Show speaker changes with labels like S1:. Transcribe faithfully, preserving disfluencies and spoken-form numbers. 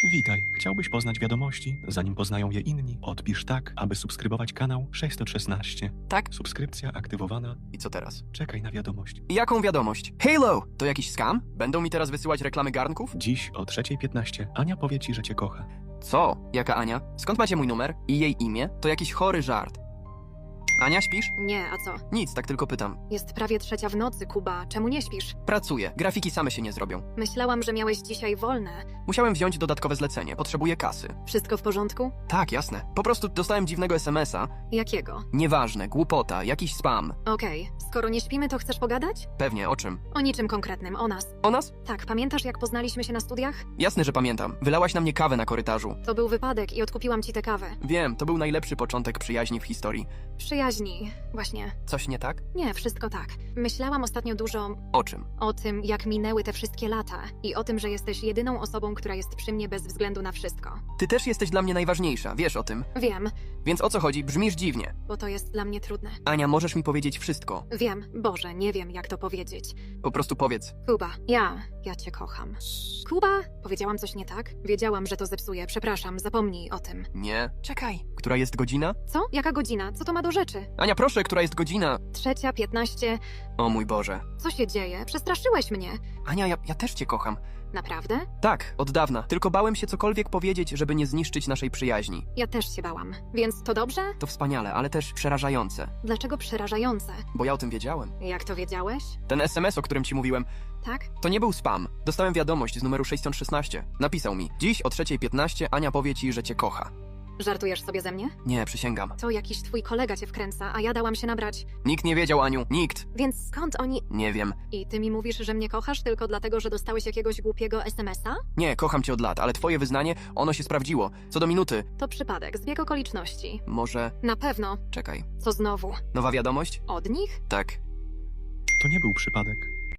S1: Witaj. Chciałbyś poznać wiadomości, zanim poznają je inni? Odpisz tak, aby subskrybować kanał sześćset szesnaście.
S2: Tak?
S1: Subskrypcja aktywowana.
S2: I co teraz?
S1: Czekaj na wiadomość.
S2: Jaką wiadomość? Halo! To jakiś scam? Będą mi teraz wysyłać reklamy garnków?
S1: Dziś o trzeciej piętnaście Ania powie ci, że cię kocha.
S2: Co? Jaka Ania? Skąd macie mój numer? I jej imię? To jakiś chory żart. Ania, śpisz?
S3: Nie, a co?
S2: Nic, tak tylko pytam.
S3: Jest prawie trzecia w nocy, Kuba. Czemu nie śpisz?
S2: Pracuję. Grafiki same się nie zrobią.
S3: Myślałam, że miałeś dzisiaj wolne.
S2: Musiałem wziąć dodatkowe zlecenie. Potrzebuję kasy.
S3: Wszystko w porządku?
S2: Tak, jasne. Po prostu dostałem dziwnego es em es a.
S3: Jakiego?
S2: Nieważne, głupota, jakiś spam.
S3: Okej, skoro nie śpimy, to chcesz pogadać?
S2: Pewnie, o czym?
S3: O niczym konkretnym, o nas.
S2: O nas?
S3: Tak, pamiętasz jak poznaliśmy się na studiach?
S2: Jasne, że pamiętam. Wylałaś na mnie kawę na korytarzu.
S3: To był wypadek i odkupiłam ci tę kawę.
S2: Wiem, to był najlepszy początek przyjaźni w historii.
S3: Przyjaźni, właśnie.
S2: Coś nie tak?
S3: Nie, wszystko tak. Myślałam ostatnio dużo
S2: O czym?
S3: o tym, jak minęły te wszystkie lata i o tym, że jesteś jedyną osobą, która jest przy mnie bez względu na wszystko.
S2: Ty też jesteś dla mnie najważniejsza, wiesz o tym.
S3: Wiem,
S2: Więc o co chodzi? Brzmisz dziwnie.
S3: bo to jest dla mnie trudne.
S2: Ania, możesz mi powiedzieć wszystko.
S3: Wiem, Boże, nie wiem jak to powiedzieć.
S2: Po prostu powiedz.
S3: Kuba, ja, ja cię kocham. Kuba? Powiedziałam coś nie tak? Wiedziałam, że to zepsuje. Przepraszam, zapomnij o tym.
S2: Nie. Czekaj. Która jest godzina?
S3: Co? Jaka godzina? Co to ma do rzeczy?
S2: Ania, proszę, która jest godzina?
S3: Trzecia, piętnaście.
S2: O mój Boże.
S3: Co się dzieje? Przestraszyłeś mnie.
S2: Ania, ja, ja też cię kocham.
S3: Naprawdę?
S2: Tak, od dawna. Tylko bałem się cokolwiek powiedzieć, żeby nie zniszczyć naszej przyjaźni.
S3: Ja też się bałam. Więc to dobrze?
S2: To wspaniale, ale też przerażające.
S3: Dlaczego przerażające?
S2: Bo ja o tym wiedziałem.
S3: Jak to wiedziałeś?
S2: Ten es em es, o którym ci mówiłem,
S3: Tak?
S2: to nie był spam. Dostałem wiadomość z numeru sześćset szesnaście. Napisał mi: dziś o trzeciej piętnaście Ania powie ci, że cię kocha.
S3: Żartujesz sobie ze mnie?
S2: Nie, przysięgam.
S3: To jakiś twój kolega cię wkręca, a ja dałam się nabrać.
S2: Nikt nie wiedział, Aniu. Nikt.
S3: Więc skąd oni...
S2: Nie wiem.
S3: I ty mi mówisz, że mnie kochasz tylko dlatego, że dostałeś jakiegoś głupiego es em es a?
S2: Nie, kocham cię od lat, ale twoje wyznanie, ono się sprawdziło. Co do minuty.
S3: To przypadek, zbieg okoliczności.
S2: Może...
S3: Na pewno.
S2: Czekaj.
S3: Co znowu?
S2: Nowa wiadomość?
S3: Od nich?
S2: Tak.
S1: To nie był przypadek.